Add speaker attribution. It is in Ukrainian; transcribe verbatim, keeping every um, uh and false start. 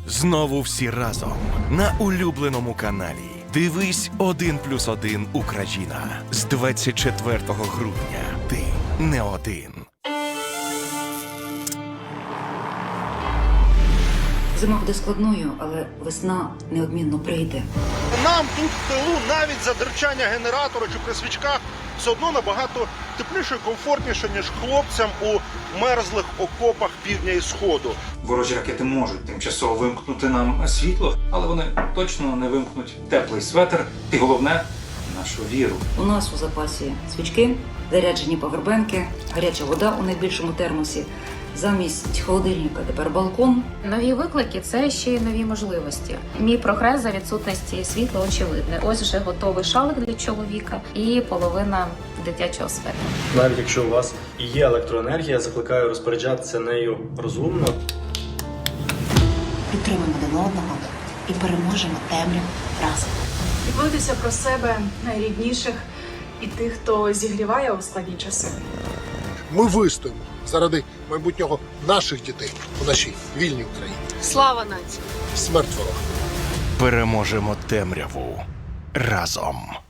Speaker 1: Знову всі разом на улюбленому каналі. Дивись один плюс один Україна з двадцять четвертого грудня. Ти не один.
Speaker 2: Зима буде складною, але весна неодмінно прийде.
Speaker 3: Нам тут в тилу навіть за дерчання генератора чи при свічках все одно набагато тепліше і комфортніше, ніж хлопцям у мерзлих окопах півдня і сходу.
Speaker 4: Ворожі ракети можуть тимчасово вимкнути нам світло, але вони точно не вимкнуть теплий светр і, головне, нашу віру.
Speaker 2: У нас у запасі свічки, заряджені павербенки, гаряча вода у найбільшому термосі. Замість холодильника тепер балкон.
Speaker 5: Нові виклики – це ще й нові можливості. Мій прогрес за відсутності світла очевидний. Ось вже готовий шалик для чоловіка і половина дитячого светра.
Speaker 6: Навіть якщо у вас і є електроенергія, закликаю розпоряджатися нею розумно.
Speaker 7: Підтримуємо один одного і переможемо темряву разом.
Speaker 8: Піклуйтеся про себе, найрідніших і тих, хто зігріває у складні часи.
Speaker 9: Ми вистоїмо заради майбутнього наших дітей у нашій вільній Україні.
Speaker 8: Слава нації!
Speaker 9: Смерть ворога!
Speaker 1: Переможемо темряву разом.